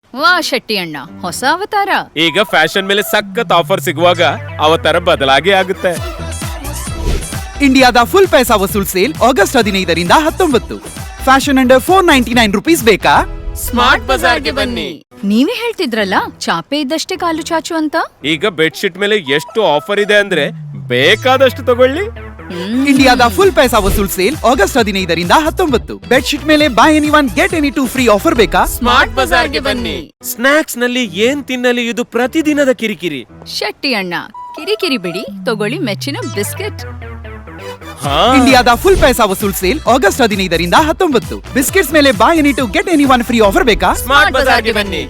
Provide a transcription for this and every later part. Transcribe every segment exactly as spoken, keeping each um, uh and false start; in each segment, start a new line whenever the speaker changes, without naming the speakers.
ವಾ ಶೆಟ್ಟಿ ಅಣ್ಣ, ಹೊಸ ಅವತಾರ.
ಈಗ ಫ್ಯಾಷನ್ ಮೇಲೆ ಸಖತ್ ಆಫರ್ ಸಿಗುವಾಗ ಅವತಾರ ಬದಲಾಗಿ ಆಗುತ್ತೆ.
ಇಂಡಿಯಾದ full paisa vasool sale August ಹದಿನೈದರಿಂದ ಹತ್ತೊಂಬತ್ತು. Fashion under four ninety nine rupees ಬೇಕಾ?
ಸ್ಮಾರ್ಟ್ ಬಜಾರ್ಗೆ ಬನ್ನಿ.
ನೀವೇ ಹೇಳ್ತಿದ್ರಲ್ಲ ಚಾಪೆ ಇದ್ದಷ್ಟೇ ಕಾಲು ಚಾಚು ಅಂತ.
ಈಗ ಬೆಡ್ಶೀಟ್ ಮೇಲೆ ಎಷ್ಟು ಆಫರ್ ಇದೆ ಅಂದ್ರೆ ಬೇಕಾದಷ್ಟು ತಗೊಳ್ಳಿ.
ಇಂಡಿಯಾದ full paisa vasool sale August ಹದಿನೈದರಿಂದ ಹತ್ತೊಂಬತ್ತು. ಬೆಡ್ಶೀಟ್ ಮೇಲೆ buy any one get any two free offer ಬೇಕಾ?
ಸ್ಮಾರ್ಟ್ ಬಜಾರ್ಗೆ ಬನ್ನಿ. ಸ್ನಾಕ್ಸ್ ನಲ್ಲಿ ಏನ್ ತಿನ್ನಲಿ, ಇದು ಪ್ರತಿದಿನದ ಕಿರಿಕಿರಿ.
ಶೆಟ್ಟಿ ಅಣ್ಣ, ಕಿರಿಕಿರಿ ಬಿಡಿ, ತಗೊಳ್ಳಿ ಮೆಚ್ಚಿನ ಬಿಸ್ಕೆಟ್.
ಇಂಡಿಯಾದ full paisa vasool sale August ಹದಿನೈದರಿಂದ ಹತ್ತೊಂಬತ್ತು. ಬಿಸ್ಕೆಟ್ಸ್ ಮೇಲೆ buy any two get any one free offer ಬೇಕಾ?
ಸ್ಮಾರ್ಟ್ ಬಜಾರ್ಗೆ ಬನ್ನಿ.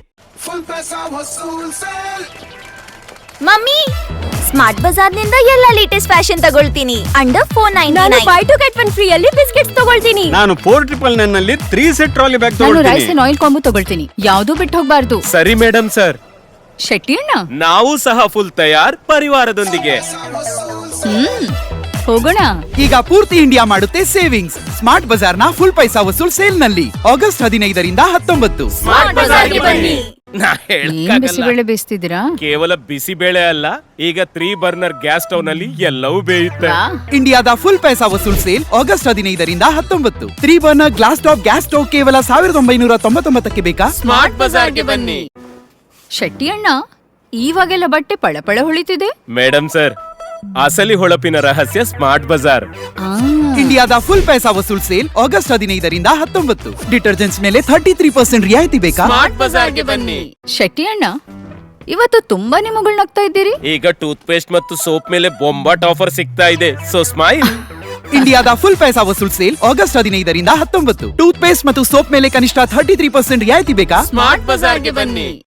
ಮಮ್ಮಿ, ಸ್ಮಾರ್ಟ್ ಬಜಾರ್ ನಿಂದ ಎಲ್ಲ ಲೇಟೆಸ್ಟ್ ಫ್ಯಾಷನ್ ತಗೊಳ್ತೀನಿ. Under four ninety nine buy two get one free ಅಲ್ಲಿ ಬಿಸ್ಕೆಟ್ಸ್ ತಗೊಳ್ತೀನಿ.
ನಾನು ಫೋರ್ ಟ್ರಿಪಲ್ ನೈನ್ ನಲ್ಲಿ ತ್ರೀ ಸೆಟ್ ಟ್ರಾಲಿ ಬ್ಯಾಗ್
ನಾನು
ತಗೊಳ್ತೀನಿ.
ರೈಸ್ ಅಂಡ್ ಆಯಿಲ್ ಕಾಂಬೋ ತಗೊಳ್ತೀನಿ. ಯಾವ್ದು ಬಿಟ್ಟು ಹೋಗ್ಬಾರ್ದು.
ಸರಿ ಮೇಡಮ್ ಸರ್.
ಶೆಟ್ಟಿ ಅಣ್ಣ,
ನಾವು ಸಹ ಫುಲ್ ತಯಾರ್ ಪರಿವಾರದೊಂದಿಗೆ.
ಹ್ಮ್ ಹೋಗೋಣ.
ಈಗ ಪೂರ್ತಿ ಇಂಡಿಯಾ ಮಾಡುತ್ತೆ ಸೇವಿಂಗ್ಸ್ ಸ್ಮಾರ್ಟ್ ಬಜಾರ್ನ ಫುಲ್ ಪೈಸಾ ವಸೂಲ್ ಸೇಲ್ ನಲ್ಲಿ ಆಗಸ್ಟ್ ಹದಿನೈದರಿಂದ ಹತ್ತೊಂಬತ್ತು.
ಸ್ಮಾರ್ಟ್ ಬಜಾರ್ಗೆ ಬನ್ನಿ. ನಾ
ಏನ್
ಹೇಳ್ಕಾಗಲ್ಲ.
ಬಿಸಿಬೇಳೆ ಬೇಯಿಸ್ತಿದ್ದೀರಾ?
ಕೇವಲ ಬಿಸಿ ಬೇಳೆ ಅಲ್ಲ, ಈಗ ತ್ರೀ ಬರ್ನರ್ ಗ್ಯಾಸ್ ಸ್ಟವ್ ನಲ್ಲಿ ಎಲ್ಲವೂ ಬೇಯುತ್ತೆ.
ವಾ,
ಇಂಡಿಯಾದ full paisa vasool sale August ಹದಿನೈದರಿಂದ ಹತ್ತೊಂಬತ್ತು. Three burner glass top gas stove ಕೇವಲ ಸಾವಿರದ ಒಂಬೈನೂರ ತೊಂಬತ್ತೊಂಬತ್ತಕ್ಕೆ ಬೇಕಾ?
ಸ್ಮಾರ್ಟ್ ಬಜಾರ್ಗೆ ಬನ್ನಿ.
ಶೆಟ್ಟಿ ಅಣ್ಣ, ಇವಾಗೆಲ್ಲ ಬಟ್ಟೆ ಪಳಪಳ ಹೊಳಿತಿದೆ.
ಮೇಡಮ್ ಸರ್, ಅಸಲಿ ಹೊಳಪಿನ ರಹಸ್ಯ ಸ್ಮಾರ್ಟ್ ಬಜಾರ್.
ಆ,
ಇಂಡಿಯಾದ full paisa vasool sale August ಹದಿನೈದರಿಂದ ಹತ್ತೊಂಬತ್ತು. ಡಿಟರ್ಜೆಂಟ್ಸ್ ಮೇಲೆ ಥರ್ಟಿ ತ್ರೀ ಪರ್ಸೆಂಟ್ ರಿಯಾಯಿತಿ ಬೇಕಾ?
ಸ್ಮಾರ್ಟ್ ಬಜಾರ್ಗೆ ಬನ್ನಿ.
ಶೆಟ್ಟಿ ಅಣ್ಣ, ಇವತ್ತು ತುಂಬಾನೇ ಮುಗುಳ್ನಗ್ತಾ ಇದ್ದೀರಿ.
ಈಗ ಟೂತ್ ಪೇಸ್ಟ್ ಮತ್ತು ಸೋಪ್ ಮೇಲೆ ಬೊಂಬಾಟ್ ಆಫರ್ ಸಿಗ್ತಾ ಇದೆ. So smile.
ಇಂಡಿಯಾದ full paisa vasool sale August ಹದಿನೈದರಿಂದ ಹತ್ತೊಂಬತ್ತು. ಟೂತ್ ಪೇಸ್ಟ್ ಮತ್ತು ಸೋಪ್ ಮೇಲೆ ಕನಿಷ್ಠ ಥರ್ಟಿ ತ್ರೀ ಪರ್ಸೆಂಟ್ ರಿಯಾಯಿತಿ ಬೇಕಾ?
ಸ್ಮಾರ್ಟ್ ಬಜಾರ್ಗೆ ಬನ್ನಿ.